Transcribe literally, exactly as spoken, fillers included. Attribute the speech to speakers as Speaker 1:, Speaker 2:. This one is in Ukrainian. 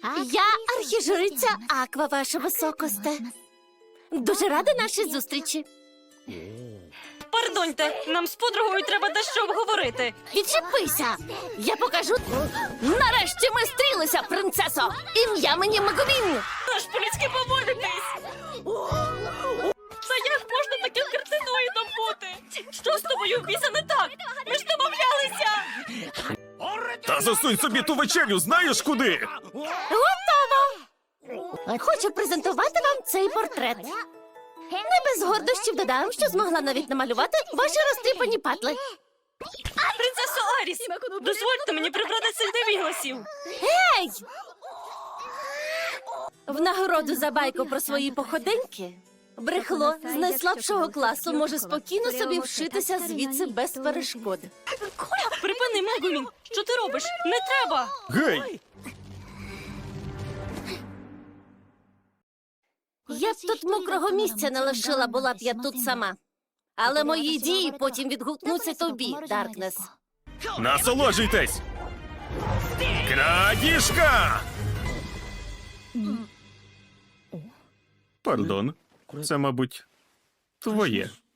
Speaker 1: Я архіжриця Аква, ваша високосте. Дуже рада нашій зустрічі.
Speaker 2: Пардоньте, нам з подругою треба дещо обговорити.
Speaker 1: Відчепися! Я покажу. Нарешті ми стрілися, принцесо! Ім'я мені Мегумін!
Speaker 2: Аж по-людськи поводитись! Та як можна таким кретиноїдом бути? Що з тобою в біса не так? Ми ж домовлялися!
Speaker 3: Та засунь собі ту вечерю, знаєш куди?
Speaker 1: Готово! Хочу презентувати вам цей портрет. Не без гордощів додам, що змогла навіть намалювати ваші розтріпані патли.
Speaker 2: Принцесо Аріс, дозвольте мені прибрати цих невігласів.
Speaker 1: Ей! В нагороду за байку про свої походеньки брехло з найслабшого класу може спокійно собі вшитися звідси без перешкод.
Speaker 2: Припини, Мегумін, що ти робиш? Не треба!
Speaker 3: Гей!
Speaker 1: Я б тут мокрого місця не лишила, була б я тут сама. Але мої дії потім відгукнуться тобі, Даркнес.
Speaker 3: Насолоджуйтесь! Крадіжка! Пардон, це, мабуть, твоє.